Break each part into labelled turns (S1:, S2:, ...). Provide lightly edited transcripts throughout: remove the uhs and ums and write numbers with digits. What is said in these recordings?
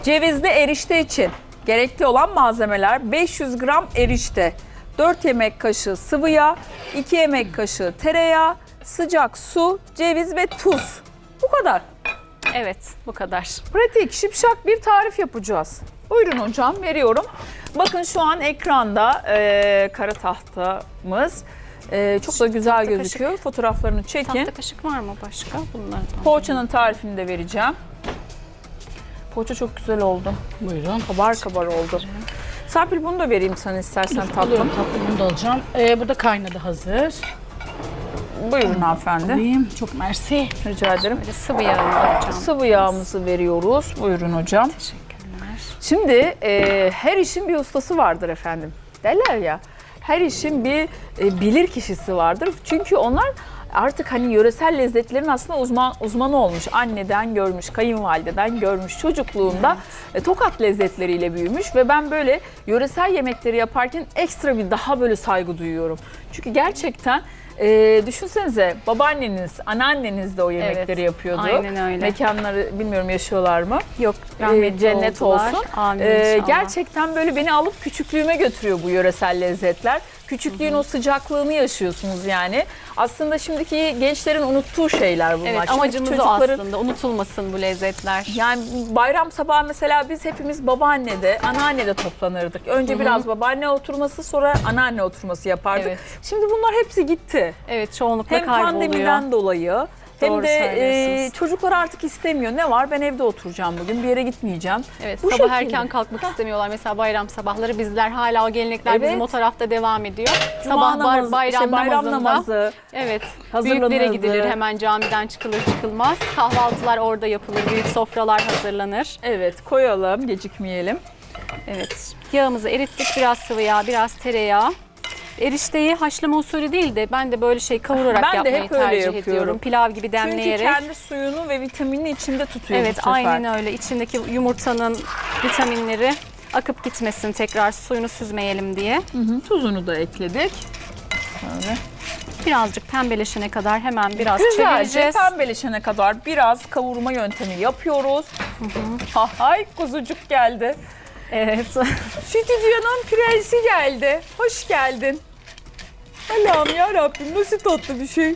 S1: Cevizli erişte için gerekli olan malzemeler: 500 gram erişte, 4 yemek kaşığı sıvı yağ, 2 yemek kaşığı tereyağı, sıcak su, ceviz ve tuz. Bu kadar.
S2: Evet, bu kadar.
S1: Pratik, şipşak bir tarif yapacağız. Buyurun hocam, veriyorum. Bakın şu an ekranda kara tahtamız. Çok da güzel
S2: Tahta
S1: gözüküyor.
S2: kaşık.
S1: Fotoğraflarını çekin.
S2: Tahta kaşık var mı başka? Bunlardan.
S1: Poğaçanın tarifini de vereceğim. Poğaça çok güzel oldu.
S3: Buyurun.
S1: Kabar kabar oldu. Serpil, bunu da vereyim sana istersen tatlım.
S3: Alıyorum tatlım, bunu da alacağım. Bu da kaynadı, hazır.
S1: Buyurun hanımefendi.
S3: Alayım. Çok mersi.
S1: Rica ederim.
S2: Böyle sıvı yağını alacağım.
S1: Sıvı yağımızı veriyoruz. Buyurun hocam.
S2: Teşekkürler.
S1: Şimdi her işin bir ustası vardır efendim. Derler ya. Her işin bir bilir kişisi vardır. Çünkü onlar artık hani yöresel lezzetlerin aslında uzmanı olmuş. Anneden görmüş, kayınvalideden görmüş. Çocukluğunda Tokat lezzetleriyle büyümüş ve ben böyle yöresel yemekleri yaparken ekstra bir daha böyle saygı duyuyorum. Çünkü gerçekten düşünsenize, babaanneniz, anneanneniz de o yemekleri yapıyordu.
S2: Aynen öyle.
S1: Mekanları bilmiyorum yaşıyorlar mı?
S2: Yok, rahmetli
S1: cennet
S2: oldular.
S1: olsun.
S2: Amin inşallah.
S1: Gerçekten böyle beni alıp küçüklüğüme götürüyor bu yöresel lezzetler. Küçüklüğün o sıcaklığını yaşıyorsunuz yani. Aslında şimdiki gençlerin unuttuğu şeyler bunlar.
S2: Evet,
S1: Şimdiki
S2: amacımız o
S1: çocukların-
S2: aslında. Unutulmasın bu lezzetler.
S1: Yani bayram sabahı mesela biz hepimiz babaannede, anneannede toplanırdık. Önce biraz babaanne oturması, sonra anneanne oturması yapardık.
S2: Evet.
S1: Şimdi bunlar hepsi gitti.
S2: Evet, çoğunlukla
S1: Hem
S2: kayboluyor.
S1: pandemiden dolayı hem
S2: Doğru
S1: de
S2: söylüyorsunuz.
S1: çocuklar artık istemiyor. Ne var? Ben evde oturacağım bugün, bir yere gitmeyeceğim.
S2: Evet,
S1: Bu
S2: sabah
S1: şekilde.
S2: erken kalkmak istemiyorlar. Mesela bayram sabahları bizler hala o gelenekler
S1: Evet.
S2: bizim o tarafta devam ediyor.
S1: Cuma
S2: Sabah
S1: namazı,
S2: bayram,
S1: bayram
S2: namazında.
S1: namazı.
S2: Evet,
S1: Hazırlanırdı.
S2: büyüklere gidilir, hemen camiden çıkılır çıkılmaz. Kahvaltılar orada yapılır, büyük sofralar hazırlanır.
S1: Evet, koyalım, gecikmeyelim.
S2: Evet, yağımızı erittik, biraz sıvı yağ, biraz tereyağı. Erişteyi haşlama usulü değil de ben de böyle kavurarak
S1: Ben de
S2: yapmayı
S1: hep öyle
S2: tercih
S1: yapıyorum.
S2: ediyorum. Pilav gibi
S1: Çünkü
S2: demleyerek.
S1: kendi suyunu ve vitaminini içinde tutuyor bu
S2: Evet,
S1: sefer.
S2: aynen öyle. İçindeki yumurtanın vitaminleri akıp gitmesin, tekrar suyunu süzmeyelim diye.
S1: Tuzunu da ekledik. Böyle.
S2: Birazcık pembeleşene kadar hemen biraz
S1: Güzelce
S2: çevireceğiz.
S1: pembeleşene kadar biraz kavurma yöntemi yapıyoruz. Ay, kuzucuk geldi.
S2: Evet.
S1: Stüdyonun prensi geldi. Hoş geldin. Allah'ım ya Rabbim, nasıl tatlı bir şey.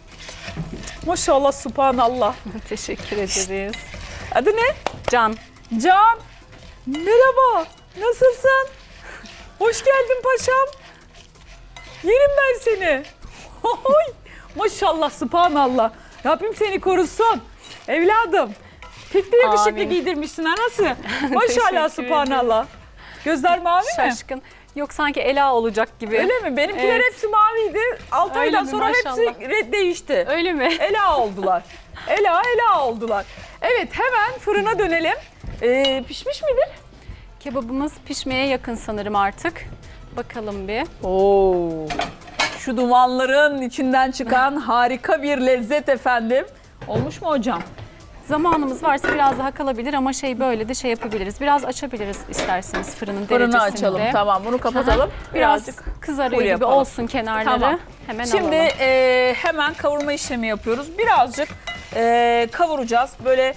S1: Maşallah, subhanallah.
S2: Teşekkür ederiz.
S1: Adı ne?
S2: Can.
S1: Can. Merhaba. Nasılsın? Hoş geldin paşam. Yerim ben seni. Oy. Maşallah, subhanallah. Rabbim seni korusun. Evladım. Pek de yakışıklı
S2: Amin.
S1: giydirmişsin ha, nasıl? Maşallah,
S2: Teşekkür
S1: subhanallah. Gözler mavi mi?
S2: Şaşkın. Yok, sanki Ela olacak gibi.
S1: Öyle mi? Benimkiler
S2: Evet.
S1: hepsi maviydi. 6
S2: Öyle
S1: aydan
S2: mi?
S1: sonra hepsi
S2: Maşallah.
S1: değişti.
S2: Öyle mi?
S1: Ela oldular. Ela oldular. Evet, hemen fırına dönelim. Pişmiş midir?
S2: Kebabımız pişmeye yakın sanırım artık. Bakalım bir.
S1: Oo. Şu dumanların içinden çıkan harika bir lezzet efendim. Olmuş mu hocam?
S2: Zamanımız varsa biraz daha kalabilir ama böyle de yapabiliriz. Biraz açabiliriz isterseniz fırının
S1: Fırını
S2: derecesinde.
S1: açalım. Tamam, bunu kapatalım.
S2: Biraz
S1: Birazcık
S2: kızarıyor
S1: full
S2: gibi
S1: yapalım.
S2: olsun kenarları.
S1: Tamam.
S2: Hemen
S1: Şimdi
S2: alalım.
S1: hemen kavurma işlemi yapıyoruz. Birazcık kavuracağız. Böyle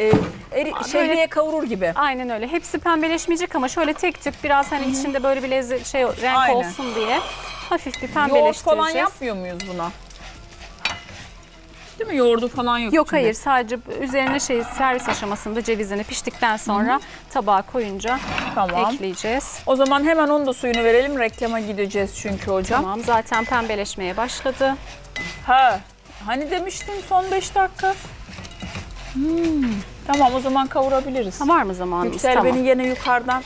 S1: şehriye kavurur gibi.
S2: Aynen öyle. Hepsi pembeleşmeyecek ama şöyle tek tük biraz hani içinde böyle bir lezzet renk
S1: Aynen.
S2: olsun diye hafif bir
S1: Yoğurt
S2: pembeleştireceğiz.
S1: falan yapmıyor muyuz buna? Değil mi? Yoğurdu falan yok
S2: Yok,
S1: içinde.
S2: hayır, sadece üzerine servis aşamasında cevizini piştikten sonra tabağa koyunca
S1: Tamam.
S2: ekleyeceğiz.
S1: O zaman hemen onun da suyunu verelim. Reklama gideceğiz çünkü hocam.
S2: Tamam, zaten pembeleşmeye başladı.
S1: Ha, hani demiştin son 5 dakika. Tamam, o zaman kavurabiliriz.
S2: Ha, var mı zamanımız?
S1: Yüksel
S2: Tamam.
S1: beni yine yukarıdan.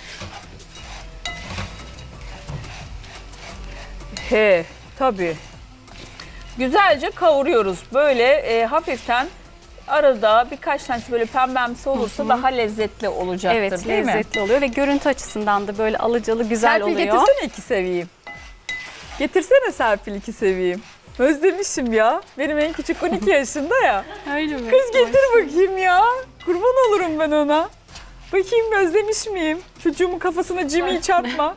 S1: Tabii. Güzelce kavuruyoruz. Böyle hafiften arada birkaç tanesi böyle pembemsi olursa daha lezzetli olacaktır,
S2: Evet,
S1: değil mi?
S2: lezzetli oluyor ve görüntü açısından da böyle alıcalı güzel
S1: Serpil,
S2: oluyor.
S1: getirsene 2 seviyeyim. Getirsene Serpil 2 seviyeyim. Özlemişim ya. Benim en küçük 12 yaşında ya.
S2: Öyle mi?
S1: Kız getir bakayım ya. Kurban olurum ben ona. Bakayım özlemiş miyim? Çocuğumun kafasına Jimmy'yi çarpma.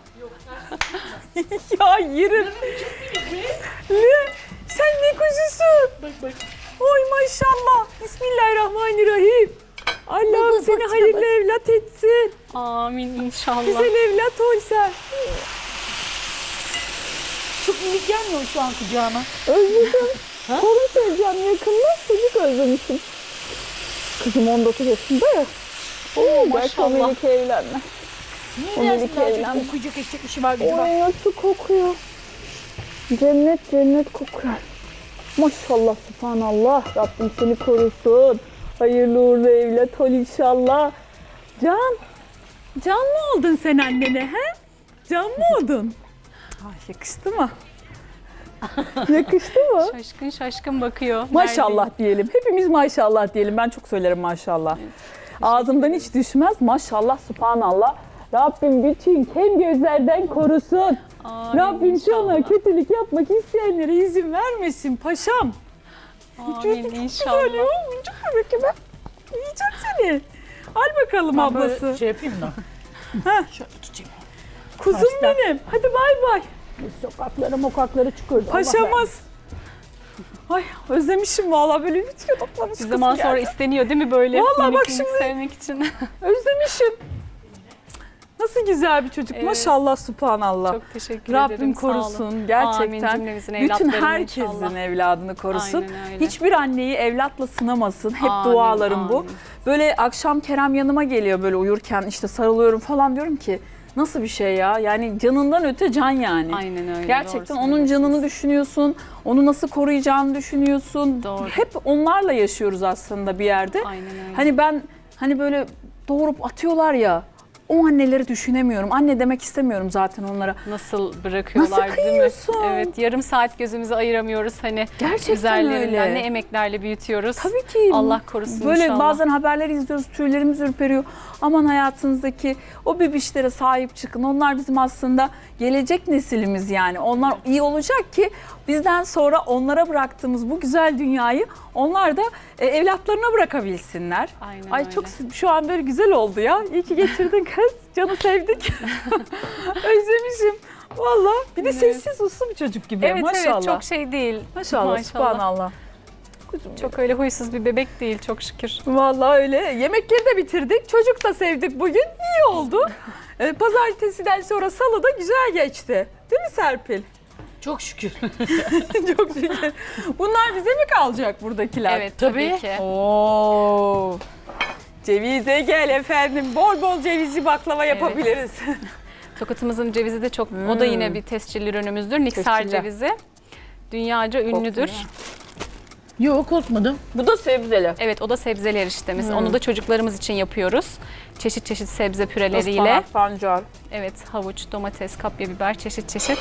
S1: Ya yerim. Ne? Sen ne kuzusun? Bak. Oy maşallah. Bismillahirrahmanirrahim. Allah'ım seni hayırlı evlat etsin.
S2: Amin inşallah.
S1: Güzel evlat ol sen.
S3: Çok minik gelmiyor şu an kucağına.
S1: Özledim. Torun seveceğim yakında. Çocuk özlemişim. Kızım 19 yaşında ya. Oo,
S2: maşallah.
S1: Belki o Melike evlenme. O
S3: Niye
S1: Melike
S3: dersin
S1: evlenme.
S3: okuyacak edecek bir şey var gücü var.
S1: Oy nasıl kokuyor. Cennet cennet kokuyor. Maşallah subhanallah. Rabbim seni korusun. Hayırlı uğurlu evlat ol inşallah. Can. Can mı oldun sen annene he? Can mı oldun? Ay, yakıştı mı? Yakıştı mı?
S2: Şaşkın şaşkın bakıyor.
S1: Maşallah diyelim. Hepimiz maşallah diyelim. Ben çok söylerim maşallah. Ağzımdan hiç düşmez. Maşallah subhanallah. Rabbim bütün kem gözlerden korusun.
S2: Amin
S1: Rabbim
S2: inşallah.
S1: sana kötülük yapmak isteyenlere izin vermesin paşam.
S2: Amin inşallah.
S1: Çok bebek gibi. Yiyeceğim seni. Al bakalım
S3: Ben
S1: ablası.
S3: böyle şey yapayım da.
S1: Ha.
S3: Şöyle tutayım.
S1: Kuzum
S3: Hasta.
S1: benim. Hadi bay bay.
S3: Sokaklara mokaklara çıkıyordu. Allah
S1: Paşamız. Ay özlemişim vallahi böyle bitiyor toplamış.
S2: Bir zaman sonra isteniyor değil mi böyle?
S1: Vallahi
S2: minik
S1: bak
S2: minik
S1: şimdi-
S2: sevmek için.
S1: Özlemişim. Nasıl güzel bir çocuk.
S2: Evet.
S1: Maşallah subhanallah.
S2: Çok teşekkür
S1: Rabbim
S2: ederim. sağ olun.
S1: korusun
S2: Amin
S1: gerçekten.
S2: cümlemizin
S1: Bütün
S2: evlatlarını
S1: herkesin
S2: inşallah.
S1: evladını korusun.
S2: Aynen öyle.
S1: Hiçbir anneyi evlatla sınamasın. Hep
S2: Amin,
S1: dualarım bu.
S2: amin.
S1: Böyle akşam Kerem yanıma geliyor böyle uyurken işte sarılıyorum falan diyorum ki nasıl bir şey ya? Yani canından öte can yani.
S2: Aynen öyle.
S1: Gerçekten
S2: doğru
S1: onun canını
S2: söylüyorsunuz.
S1: düşünüyorsun. Onu nasıl koruyacağını düşünüyorsun.
S2: Doğru.
S1: Hep onlarla yaşıyoruz aslında bir yerde.
S2: Aynen öyle.
S1: Hani ben böyle doğurup atıyorlar ya. O anneleri düşünemiyorum. Anne demek istemiyorum zaten onlara.
S2: Nasıl bırakıyorlar
S1: Nasıl
S2: değil mi?
S1: kıyıyorsun?
S2: Evet, yarım saat gözümüzü ayıramıyoruz hani
S1: Gerçekten
S2: güzellerinden
S1: öyle.
S2: ne emeklerle büyütüyoruz.
S1: Tabii ki.
S2: Allah korusun
S1: Böyle
S2: inşallah.
S1: bazen haberleri izliyoruz, tüylerimiz ürperiyor. Aman hayatınızdaki o bebişlere sahip çıkın. Onlar bizim aslında gelecek nesilimiz yani. Onlar iyi olacak ki bizden sonra onlara bıraktığımız bu güzel dünyayı onlar da evlatlarına bırakabilsinler.
S2: Aynen
S1: Ay
S2: öyle.
S1: çok şu an böyle güzel oldu ya. İyi ki getirdin kız. Canı sevdik. Özlemişim. Valla bir de
S2: Evet.
S1: sessiz uslu bir çocuk gibi.
S2: Evet
S1: Maşallah.
S2: evet çok şey değil.
S1: Maşallah, subhanallah. Kuzum
S2: Çok öyle huysuz bir bebek değil çok şükür.
S1: Vallahi öyle. Yemekleri de bitirdik. Çocuk da sevdik bugün. İyi oldu. Pazartesiden sonra salı da güzel geçti. Değil mi Serpil?
S3: Çok şükür.
S1: Çok şükür. Bunlar bize mi kalacak buradakiler?
S2: Evet tabii,
S3: Tabii.
S2: ki.
S1: Oo. Cevize gel efendim. Bol bol cevizli baklava yapabiliriz.
S2: Tokatımızın cevizi de çok, o da yine bir tescilli ürünümüzdür. Niksar
S1: Tescilli.
S2: cevizi. Dünyaca ünlüdür.
S3: Yok korkmadım.
S1: Bu da sebzeli.
S2: Evet o da sebzeli eriştemiz. Onu da çocuklarımız için yapıyoruz. Çeşit çeşit sebze püreleriyle.
S1: Ispanak, pancar.
S2: Evet havuç, domates, kapya biber çeşit çeşit.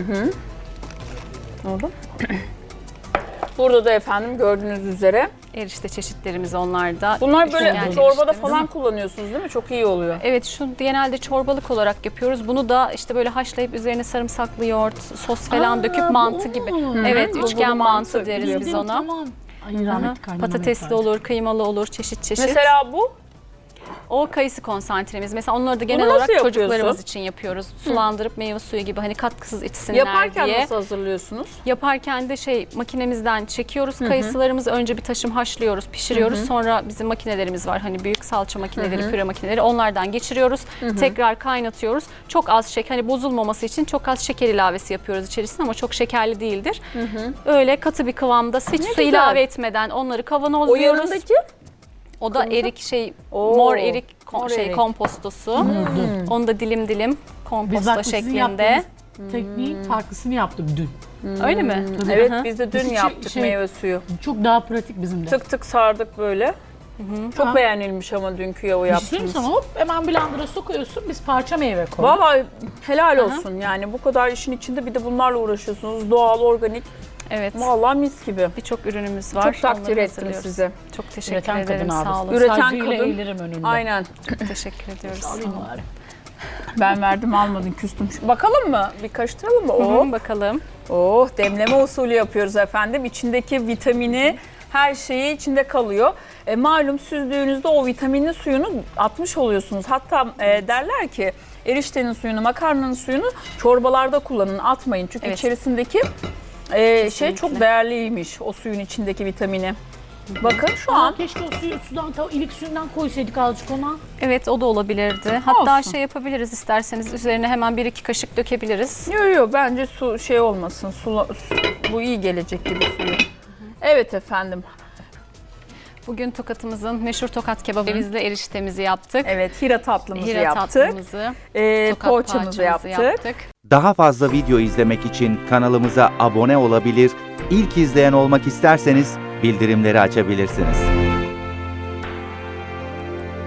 S1: Oldu. Burada da efendim gördüğünüz üzere.
S2: Erişte çeşitlerimiz onlarda.
S1: Bunlar böyle
S2: Üşengen
S1: çorbada
S2: eriştemiz.
S1: falan kullanıyorsunuz değil mi? Çok iyi oluyor.
S2: Evet şu genelde çorbalık olarak yapıyoruz. Bunu da işte böyle haşlayıp üzerine sarımsaklı yoğurt, sos falan döküp mantı gibi. Evet
S1: Bulgurlu
S2: üçgen
S1: mantı
S2: mantı deriz
S1: biliyorum.
S2: biz ona.
S3: Tamam. Ay
S2: Aha,
S3: rahmetli kaynanam
S2: patatesli
S3: yapardı.
S2: olur, kıymalı olur, çeşit çeşit.
S1: Mesela bu
S2: O kayısı konsantremiz. Mesela onları da genel
S1: nasıl
S2: olarak
S1: yapıyorsun?
S2: çocuklarımız için yapıyoruz. Sulandırıp meyve suyu gibi hani katkısız içsinler
S1: yaparken
S2: diye.
S1: nasıl hazırlıyorsunuz?
S2: Yaparken de makinemizden çekiyoruz. Kayısılarımızı önce bir taşım haşlıyoruz, pişiriyoruz. Sonra bizim makinelerimiz var. Hani büyük salça makineleri, püre makineleri. Onlardan geçiriyoruz. Tekrar kaynatıyoruz. Çok az şeker, hani bozulmaması için çok az şeker ilavesi yapıyoruz içerisine ama çok şekerli değildir. Öyle katı bir kıvamda hiç su
S1: güzel.
S2: ilave etmeden onları
S1: O
S2: kavanozluyoruz.
S1: yanındaki
S2: O da erik
S1: Oo,
S2: mor erik
S1: mor erik.
S2: kompostosu. Onu da dilim dilim
S3: Biz
S2: komposta
S3: bak sizin
S2: şeklinde.
S3: yaptığınız tekniğin farklısını yaptım dün.
S2: Öyle mi?
S1: Evet
S2: Hı hı.
S1: biz de dün
S3: Biz hiç
S1: yaptık
S3: şey-
S1: meyve suyu.
S3: Çok daha pratik bizim de.
S1: Tık tık sardık böyle. Çok
S3: Ha.
S1: beğenilmiş ama dünkü yağı
S3: Bir şey söyleyeyim
S1: yaptığımız.
S3: sana hop hemen blender'a sokuyorsun biz parça meyve koyuyoruz.
S1: Vallahi helal olsun yani bu kadar işin içinde bir de bunlarla uğraşıyorsunuz. Doğal, organik.
S2: Evet.
S1: Vallahi mis gibi.
S2: Birçok ürünümüz var.
S1: Çok takdir
S2: Onları
S1: ettim
S2: hazırlıyoruz.
S1: sizi.
S2: Çok teşekkür
S3: Üreten
S2: ederim.
S3: kadın
S2: Sağ
S3: abi.
S2: olun.
S1: Üreten
S3: Saygıyla
S1: kadın.
S3: eğilirim önünde.
S1: Aynen.
S2: Çok teşekkür ediyoruz.
S3: Alayım bari.
S1: Ben verdim almadın küstüm. Bakalım mı? Bir karıştıralım mı?
S2: Hı
S1: Oh.
S2: hı, bakalım.
S1: Oh, demleme usulü yapıyoruz efendim. İçindeki vitamini, her şeyi içinde kalıyor. Malum süzdüğünüzde o vitaminli suyunu atmış oluyorsunuz. Hatta derler ki eriştenin suyunu, makarnanın suyunu çorbalarda kullanın, atmayın. Çünkü
S2: Evet.
S1: içerisindeki şey çok değerliymiş o suyun içindeki vitamini. Bakın şu an
S3: Keşke o sudan, ilik suyundan koysaydık azıcık ona.
S2: Evet, o da olabilirdi. Hatta
S1: Olsun.
S2: şey yapabiliriz isterseniz, üzerine hemen 1-2 kaşık dökebiliriz.
S1: yo bence su şey olmasın. Bu iyi gelecek gibi suyu. Evet efendim.
S2: Bugün Tokat'ımızın meşhur Tokat kebabı cevizli eriştemizi yaptık.
S1: Evet, hira tatlımızı
S2: Hira
S1: yaptık.
S2: tatlımızı, Tokat
S1: Poğaçamızı
S2: parçamızı
S1: yaptık.
S4: Daha fazla video izlemek için kanalımıza abone olabilir, ilk izleyen olmak isterseniz bildirimleri açabilirsiniz.